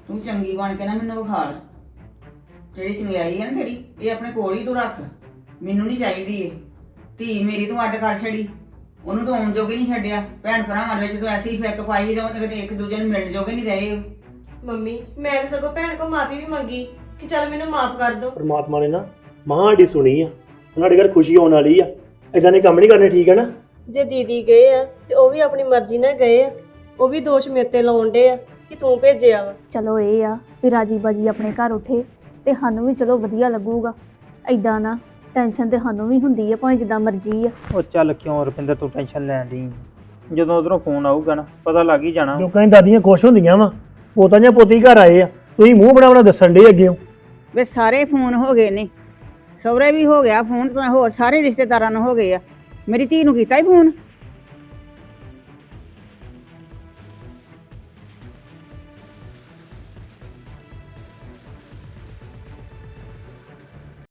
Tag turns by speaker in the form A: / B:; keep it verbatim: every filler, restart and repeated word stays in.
A: ਤੂੰ ਚੰਗੀ ਬਣ ਕੇ ਨਾ ਮੈਨੂੰ ਵਿਖਾਲ। ਜਿਹੜੀ ਚੰਗਿਆਈ ਹੈ ਨਾ ਤੇਰੀ, ਇਹ ਆਪਣੇ ਕੋਲ ਹੀ ਤੂੰ ਰੱਖ। ਮੈਨੂੰ ਨਹੀਂ ਚਾਹੀਦੀ ਇਹ ਧੀ ਮੇਰੀ। ਤੂੰ ਅੱਡ ਕਰ ਛੜੀ ਉਹਨੂੰ, ਤੂੰ ਆਉਣ ਜੋਗੇ ਨਹੀਂ ਛੱਡਿਆ। ਭੈਣ ਭਰਾਵਾਂ ਵਿੱਚ ਤੂੰ ਐਸੀ ਫਿੱਕ ਪਾਈ ਜੋ ਕਿਤੇ ਇੱਕ ਦੂਜੇ ਨੂੰ ਮਿਲਣ ਜੋਗੇ ਨਹੀਂ ਰਹੇ ਹੋ।
B: ਮੰਮੀ ਮੈਂ ਤਾਂ ਸਗੋਂ ਭੈਣ ਕੋ ਮਾਫੀ ਵੀ ਮੰਗੀ ਕਿ ਚੱਲ ਮੈਨੂੰ ਮਾਫ ਕਰ ਦਿਓ।
C: ਪਰਮਾਤਮਾ ਨੇ ਨਾ ਮਾਂ ਸਾਡੀ ਸੁਣੀ ਆ, ਸਾਡੇ ਘਰ ਖੁਸ਼ੀ ਆਉਣ ਵਾਲੀ ਆ। ਇਦਾਂ ਦੇ ਕੰਮ ਨਹੀਂ ਕਰਨੇ, ਠੀਕ ਹੈ ਨਾ।
B: ਜੇ ਦੀਦੀ ਗਏ ਆ ਤੇ ਉਹ ਵੀ ਆਪਣੀ ਮਰਜ਼ੀ ਨਾਲ ਗਏ ਆ, ਉਹ ਵੀ ਦੋਸ਼ ਮੇਰੇ ਤੇ ਲਾਉਣ ਡੇ ਆ ਕਿ ਤੂੰ ਭੇਜਿਆ ਵਾ।
D: ਚਲੋ ਇਹ ਆ ਵੀ ਰਾਜੀ ਬਾਜੀ ਆਪਣੇ ਘਰ ਉੱਠੇ ਤੇ ਸਾਨੂੰ ਵੀ ਚਲੋ ਵਧੀਆ ਲੱਗੂਗਾ। ਐਦਾਂ ਨਾ ਟੈਨਸ਼ਨ ਤੇ ਸਾਨੂੰ ਵੀ ਹੁੰਦੀ ਆ, ਭਾਵੇਂ ਜਿੱਦਾਂ ਮਰਜ਼ੀ ਆ।
E: ਉਹ ਚੱਲ ਕਿਉਂ ਰੁਪਿੰਦਰ ਤੂੰ ਟੈਨਸ਼ਨ ਲੈਣ ਦੀ? ਜਦੋਂ ਉਧਰੋਂ ਫੋਨ ਆਊਗਾ ਨਾ ਪਤਾ ਲੱਗ ਹੀ ਜਾਣਾ।
C: ਲੋਕਾਂ ਦੀ ਦਾਦੀਆਂ ਖੁਸ਼ ਹੁੰਦੀਆਂ ਵਾ, ਪੋਤਾਂ ਜਾਂ ਪੋਤੀ ਘਰ ਆਏ ਆ, ਤੁਸੀਂ ਮੂੰਹ ਬਣਾ ਬਣਾ ਦੱਸਣ ਡੇ ਅੱਗੇ।
A: ਵੇ ਸਾਰੇ ਫੋਨ ਹੋ ਗਏ ਨੇ, ਸਹੁਰੇ ਵੀ ਹੋ ਗਿਆ ਫੋਨ, ਹੋਰ ਸਾਰੇ ਰਿਸ਼ਤੇਦਾਰਾਂ ਨੂੰ ਹੋ ਗਏ ਆ। ਮੇਰੀ ਧੀ ਨੂੰ ਕੀਤਾ ਹੀ ਫੋਨ?